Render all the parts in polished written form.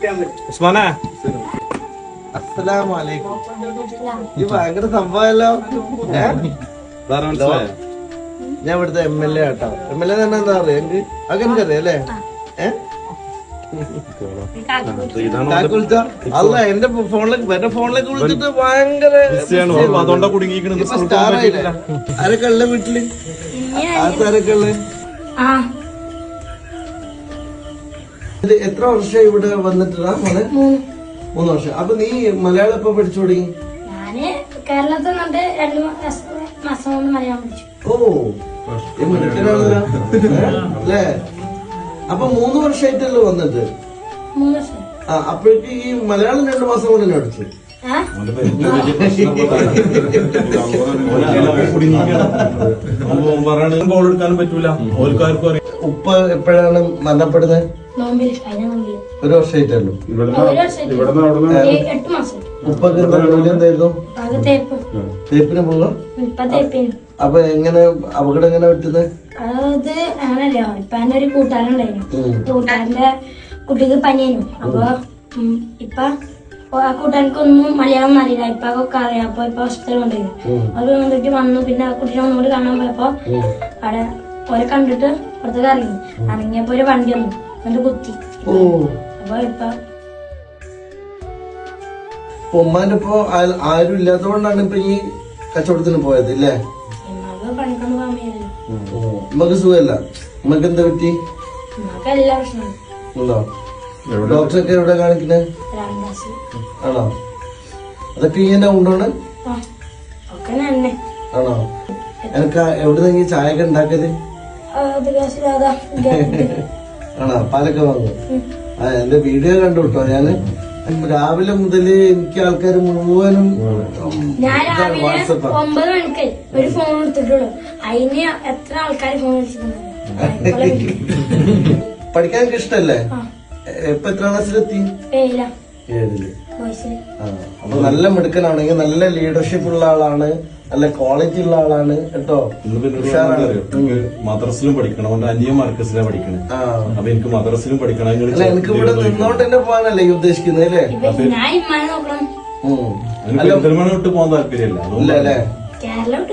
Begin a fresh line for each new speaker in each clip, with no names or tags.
ഉസ്മാനെ
അസ്സലാമലൈക്കും. ഈ ഭയങ്കര സംഭവമല്ലോ. ഞാൻ ഇവിടുത്തെ MLA ആട്ടോ. MLA തന്നെ എന്താ പറയാ എനിക്ക് അതൊക്കെ അറിയാം അല്ലേ? അല്ല എന്റെ ഫോണിലേക്ക് വിളിച്ചിട്ട് ഭയങ്കര സ്റ്റാറായില്ലേ? ആരൊക്കെ ഉള്ള വീട്ടില്? ആരൊക്കെ ഉള്ള? എത്ര വർഷം ഇവിടെ വന്നിട്ടാ മോനെ? 3 വർഷം. അപ്പൊ നീ മലയാളം എപ്പോ പഠിച്ചു തുടങ്ങി?
കേരളത്തിൽ 2 മാസം കൊണ്ട് മലയാളം പഠിച്ചു.
ഓ മിടുക്കനാണല്ലോ അല്ലേ? അപ്പൊ 3 വർഷമായിട്ടല്ലോ വന്നിട്ട്?
3 വർഷം.
അപ്പോഴേക്ക് ഈ മലയാളം 2 മാസം കൊണ്ട് തന്നെ പഠിച്ചു.
എടുക്കാനും പറ്റൂല.
ഉപ്പ എപ്പോഴാണ് മരണപ്പെടുന്നത്? 1 വർഷമായിട്ടല്ലോ. ഉപ്പൊക്കെ ജോലി എന്തായിരുന്നു? തേപ്പിന് പോകാം. അപ്പൊ എങ്ങനെ അപകടം എങ്ങനെ പറ്റുന്നത്?
അത് അങ്ങനല്ലോ. ഇപ്പൊ എന്റെ ഒരു കൂട്ടുകാരുണ്ടായിരുന്നു. കൂട്ടുകാരന്റെ കുട്ടിക്ക് പനിയായിരുന്നു. അപ്പൊ ഇപ്പൊ ആ കൂട്ടുകാർക്കൊന്നും മലയാളം അറിയില്ല. ഇപ്പൊ ഒക്കെ അറിയാം. അപ്പൊ ഇപ്പൊ ഹോസ്പിറ്റലിൽ കൊണ്ടുപോയി. അത് വന്നിട്ട് വന്നു. പിന്നെ ആ കുട്ടീനെ ഒന്നുകൂടി കാണാൻ പോയപ്പോ അവിടെ ഓരെ കണ്ടിട്ട് പുറത്തേക്ക് ഇറങ്ങി. ഇറങ്ങിയപ്പോ ഒരു വണ്ടി വന്നു. എന്നിട്ട് കുത്തി. അപ്പൊ ഇപ്പൊ
ഉമ്മാന്റെ ഇപ്പൊ ആരും ഇല്ലാത്തതുകൊണ്ടാണ് ഇപ്പൊ ഈ കച്ചവടത്തിന് പോയത് ഇല്ലേ?
പണിക്കൊന്നും പോകാൻ വയ്യല്ലോ.
ഉമ്മക്ക് സുഖമല്ല. ഉമ്മക്ക് എന്താ പറ്റി?
എല്ലാ പ്രശ്നവും
ഉണ്ടോ? ഡോക്ടറൊക്കെ എവിടെ കാണിക്കുന്നത്? ആണോ? അതൊക്കെ ഇങ്ങനെ ഉണ്ടോണ്? ആണോ? എനിക്ക് എവിടെ നിന്ന് ചായ ഒക്കെ ഉണ്ടാക്കിയത്? ആണോ? പാലൊക്കെ വാങ്ങും. എന്റെ വീഡിയോ കണ്ടു കേട്ടോ. ഞാന് രാവിലെ മുതല് എനിക്ക് ആൾക്കാർ മുഴുവനും
വാട്സപ്പ് 9 മണിക്ക് ഒരു ഫോൺ എടുത്തിട്ടുള്ളൂ. അതിന് എത്ര ആൾക്കാർ ഫോൺ വിളിച്ചിട്ടുണ്ട്.
പഠിക്കാൻ ഇഷ്ടല്ലേ? ഇപ്പൊ എത്ര ക്ലാസ്സിലെത്തി? 7ല്. അപ്പൊ നല്ല മിടുക്കനാണെങ്കിൽ നല്ല ലീഡർഷിപ്പ് ഉള്ള ആളാണ്, നല്ല ക്വാളിറ്റി ഉള്ള ആളാണ് കേട്ടോ.
മദ്രസിലും പഠിക്കണം. അവന്റെ അന്യ മർക്കസിലാണ് പഠിക്കണേ. അപ്പൊ എനിക്ക് മദ്രസിലും പഠിക്കണം.
എനിക്ക് ഇവിടെ നിന്നോണ്ട് തന്നെ പോകാനല്ലേ ഈ ഉദ്ദേശിക്കുന്നത് അല്ലേ?
പെരുന്തൽമണ്ണ വിട്ട് പോകാൻ താല്പര്യമില്ല
അല്ലേ? കേരളം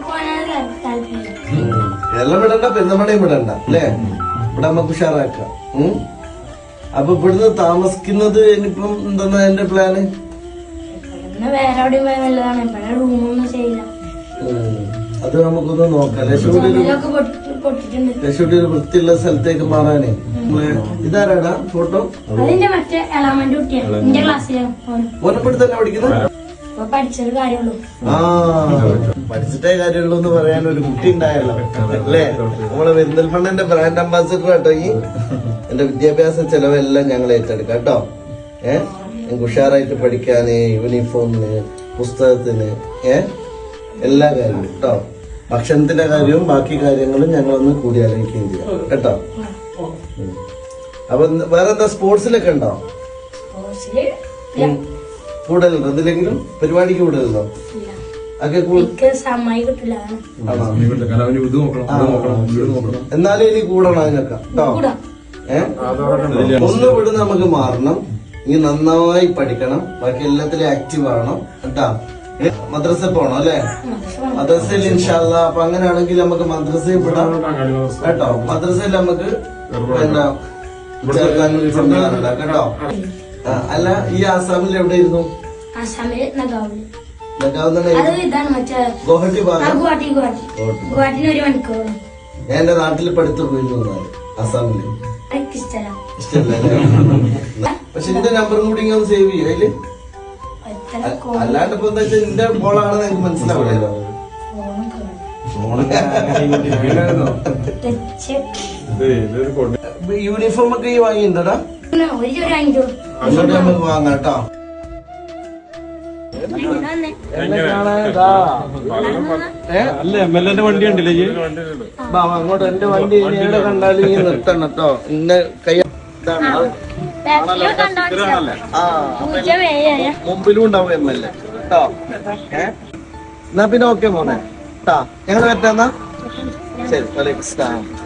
വിടണ്ട, പെരുന്തൽമണ്ണയും വിടണ്ട അല്ലേ? ഇവിടെ നമുക്ക് ഉഷാറാക്കാം. അപ്പൊ ഇവിടുന്ന് താമസിക്കുന്നത് ഇനിയിപ്പം എന്താ എന്റെ പ്ലാന്?
വേറെ എവിടെയും പോയാൽ നല്ലതാണ്. ഇവിടെ റൂമൊന്നും ചെയ്യില്ല.
അത് നമുക്കൊന്ന് നോക്കാം. ലക്ഷ്മിയുടെ ഒരു വൃത്തിയുള്ള സ്ഥലത്തേക്ക് മാറാനേ. ഇതാരാടാ ഫോട്ടോ?
അതിന്റെ മറ്റേ എളാമന്റെ കുട്ടിയാണ്. എന്റെ ക്ലാസ്സിലാണ്.
ഓനപ്പെടുത്ത് തന്നെ പഠിക്കുന്നത്?
പഠിച്ചൊരു കാര്യമുള്ളൂ.
പഠിച്ചിട്ടേ കാര്യമുള്ളൂ എന്ന് പറയാൻ ഒരു കുട്ടി ഉണ്ടായല്ലോ അല്ലേ? നമ്മളെ പെരിന്തൽമണ്ണന്റെ ബ്രാൻഡ് അംബാസിഡർ കേട്ടോ. ഈ എന്റെ വിദ്യാഭ്യാസ ചെലവെല്ലാം ഞങ്ങൾ ഏറ്റെടുക്കാം കേട്ടോ. ഞങ്ങൾക്ക് ഉഷാറായിട്ട് പഠിക്കാന്, യൂണിഫോമിന്, പുസ്തകത്തിന്, എല്ലാ കാര്യവും കേട്ടോ. ഭക്ഷണത്തിന്റെ കാര്യവും ബാക്കി കാര്യങ്ങളും ഞങ്ങളൊന്ന് കൂടി ആലോചിക്കുകയും ചെയ്യാം കേട്ടോ. അപ്പൊ വേറെന്താ സ്പോർട്സിലൊക്കെ ഉണ്ടോ? കൂടുതലുണ്ടോ? എന്തിലെങ്കിലും പരിപാടിക്ക് കൂടുതലുണ്ടോ? എന്നാലും ഇനി കൂടണം അതിനൊക്കെ കേട്ടോ. ഒന്ന് വിടുന്ന നമുക്ക് മാറണം. ഇനി നന്നായി പഠിക്കണം. ബാക്കി എല്ലാത്തിലും ആക്റ്റീവ് ആവണം കേട്ടാ. മദ്രസ പോണം അല്ലെ? മദ്രസയിൽ ഇൻഷാല്ല. അപ്പൊ അങ്ങനെയാണെങ്കിൽ നമുക്ക് മദ്രസയിൽ വിടാം കേട്ടോ. മദ്രസയിൽ നമുക്ക് എന്താ ചേർക്കാൻ സംവിധാനം ഉണ്ടാക്കാം കേട്ടോ. അല്ല ഈ ആസാമിൽ എവിടെയിരുന്നു? ഗുവാഹട്ടി ഭാഗം. ഞാൻ എന്റെ നാട്ടിൽ പഠിത്തു പോയിരുന്നു ആസാമില്. ഇഷ്ടല്ലേ? പക്ഷെ എന്റെ നമ്പറും കൂടി ഇങ്ങനെ സേവ് ചെയ്യും അതില്. അല്ലാണ്ട് ഇപ്പൊ എന്താ വെച്ചാൽ എന്റെ ബോളാണെന്ന് എനിക്ക് മനസ്സിലാവില്ലല്ലോ. യൂണിഫോം ഒക്കെ ഈ വാങ്ങിയിട്ടുണ്ടോടാ? അങ്ങോട്ട് നമുക്ക് വാങ്ങാം കേട്ടോ.
അല്ല MLA വണ്ടി ഉണ്ടല്ലേ?
അങ്ങോട്ട് എന്റെ വണ്ടി എവിടെ കണ്ടാലും ഈ നിർത്തണം കേട്ടോ. ഇന്ന കൈ മുമ്പിലും ഉണ്ടാവും MLA കേട്ടോ. എന്നാ പിന്നെ ഓക്കെ മോനെ കേട്ടാ. ഞങ്ങൾ പറ്റാന്നാ ശരി. വലൈക്കും സ്ലാം.